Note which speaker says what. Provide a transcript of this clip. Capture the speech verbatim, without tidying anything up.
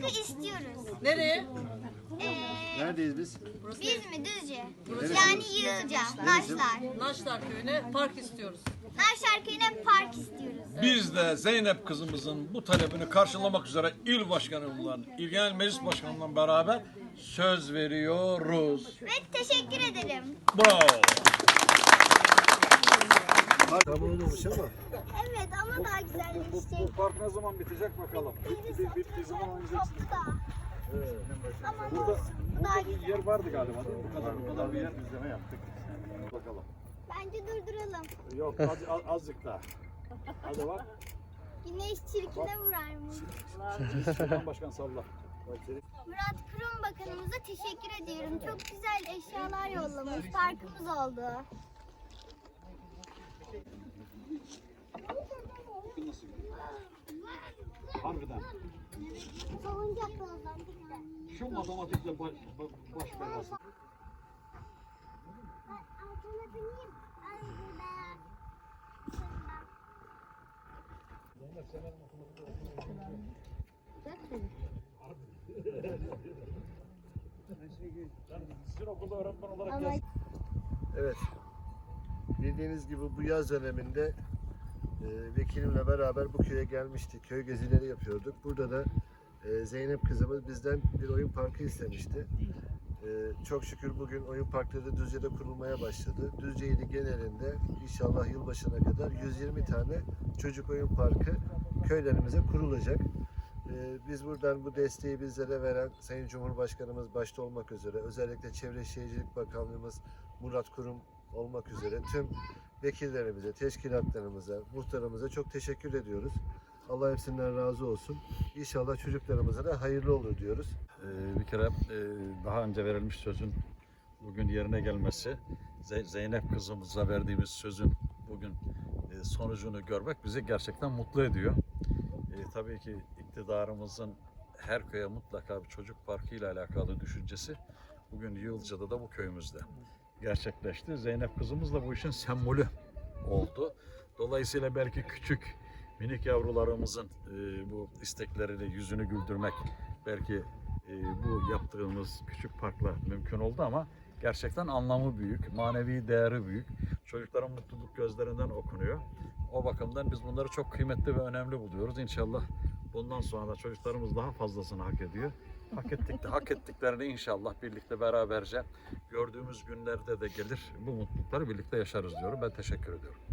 Speaker 1: parkı istiyoruz.
Speaker 2: Nereye?
Speaker 1: Ee,
Speaker 3: Neredeyiz biz?
Speaker 1: biz mi Düzce?
Speaker 3: Neresi?
Speaker 1: Yani Yığılca, Naşlar.
Speaker 2: Naşlar köyüne park istiyoruz.
Speaker 1: Naşlar köyüne park istiyoruz.
Speaker 4: Biz de Zeynep kızımızın bu talebini karşılamak üzere il başkanımla, il genel meclis başkanımla beraber söz veriyoruz.
Speaker 1: Ve teşekkür ederim.
Speaker 4: Bravo.
Speaker 3: Tamam olmuş ama.
Speaker 1: Evet ama daha güzelleşecek.
Speaker 4: park ne zaman bitecek bakalım. Bittiği zaman oynayacaksınız.
Speaker 1: Çok da. Ama ne
Speaker 4: Burada,
Speaker 1: olsun. Bu daha
Speaker 4: burada bir
Speaker 1: güzel.
Speaker 4: yer vardı galiba değil mi? Bu kadar, bu kadar bir yer izleme yaptık. Bakalım.
Speaker 1: Bence durduralım.
Speaker 4: Yok az, az, azıcık daha. Hadi bak.
Speaker 1: Güneş çirkine vurarmış.
Speaker 4: Şuradan başkan salla.
Speaker 1: Murat Kurum Bakanımıza teşekkür ediyorum. Çok güzel eşyalar yollamış. Parkımız oldu.
Speaker 4: Harbiden.
Speaker 1: Salıncaklardan.
Speaker 4: Şu matematikle baş, baş belası.
Speaker 1: Altına bineyim.
Speaker 4: Sizin okulda öğretmen olarak gel.
Speaker 3: Evet. Bildiğiniz gibi bu yaz döneminde e, vekilimle beraber bu köye gelmiştik. Köy gezileri yapıyorduk. Burada da e, Zeynep kızımız bizden bir oyun parkı istemişti. E, çok şükür bugün oyun parkları Düzce'de kurulmaya başladı. Düzce ili genelinde inşallah yılbaşına kadar yüz yirmi tane çocuk oyun parkı köylerimize kurulacak. E, biz buradan bu desteği bizlere veren Sayın Cumhurbaşkanımız başta olmak üzere, özellikle Çevre Şehircilik Bakanlığımız Murat Kurum olmak üzere tüm vekillerimize, teşkilatlarımıza, muhtarımıza çok teşekkür ediyoruz. Allah hepsinden razı olsun. İnşallah çocuklarımıza da hayırlı olur diyoruz.
Speaker 4: Ee, bir kere e, daha önce verilmiş sözün bugün yerine gelmesi, Ze- Zeynep kızımıza verdiğimiz sözün bugün e, sonucunu görmek bizi gerçekten mutlu ediyor. E, tabii ki iktidarımızın her köye mutlaka bir çocuk parkı ile alakalı düşüncesi bugün Yığılca'da da bu köyümüzde gerçekleşti. Zeynep kızımız da bu işin sembolü oldu. Dolayısıyla belki küçük minik yavrularımızın e, bu isteklerini, yüzünü güldürmek belki e, bu yaptığımız küçük parkla mümkün oldu ama gerçekten anlamı büyük, manevi değeri büyük. Çocukların mutluluk gözlerinden okunuyor. O bakımdan biz bunları çok kıymetli ve önemli buluyoruz. İnşallah bundan sonra da çocuklarımız daha fazlasını hak ediyor. Hak ettik de, hak ettiklerini inşallah birlikte beraberce gördüğümüz günlerde de gelir. Bu mutlulukları birlikte yaşarız diyorum. Ben teşekkür ediyorum.